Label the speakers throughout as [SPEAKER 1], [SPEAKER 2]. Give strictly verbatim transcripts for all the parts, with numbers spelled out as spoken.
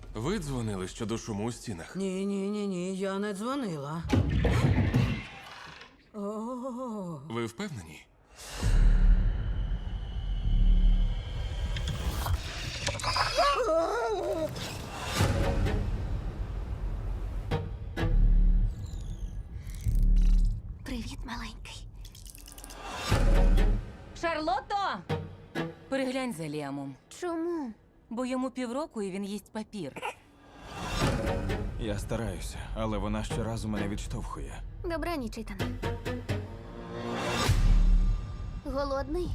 [SPEAKER 1] Ви дзвонили щодо шуму у стінах?
[SPEAKER 2] Ні, ні, ні, ні, я не дзвонила. О,
[SPEAKER 1] Ви впевнені?
[SPEAKER 3] Привіт, маленький.
[SPEAKER 4] Шарлотто! Переглянь за Ліамом,
[SPEAKER 3] Чому?
[SPEAKER 4] бо йому півроку і він їсть папір.
[SPEAKER 5] Я стараюся, але вона щоразу мене відштовхує.
[SPEAKER 3] Добраніч, Ітане. Голодний?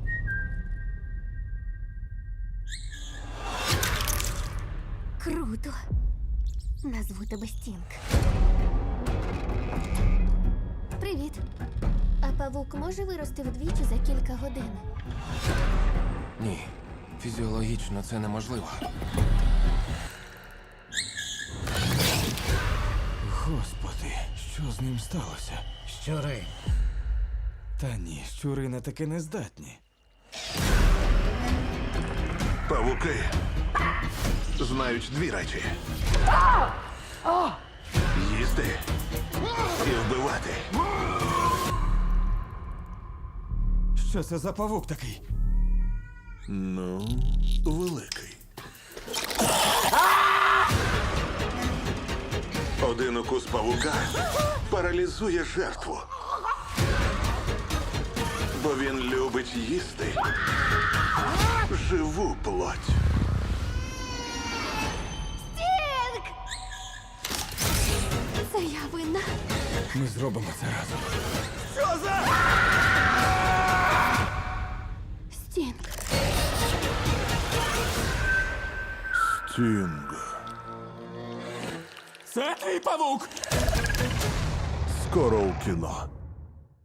[SPEAKER 3] Круто. Назву тебе Стінг. Привіт. А павук може вирости вдвічі за кілька годин?
[SPEAKER 1] Ні. Фізіологічно це неможливо.
[SPEAKER 5] Господи, що з ним сталося?
[SPEAKER 2] щури.
[SPEAKER 5] Та ні, щури на таке не здатні.
[SPEAKER 6] Павуки знають дві речі: їсти і вбивати.
[SPEAKER 5] Що це за павук такий?
[SPEAKER 6] Ну, великий. Один укус павука паралізує жертву. Бо він любить їсти живу плоть.
[SPEAKER 3] Стінг! Це я винна.
[SPEAKER 5] Ми зробимо це разом.
[SPEAKER 3] Стінг.
[SPEAKER 6] Стінг.
[SPEAKER 5] Це твій павук!
[SPEAKER 6] Скоро у кіно.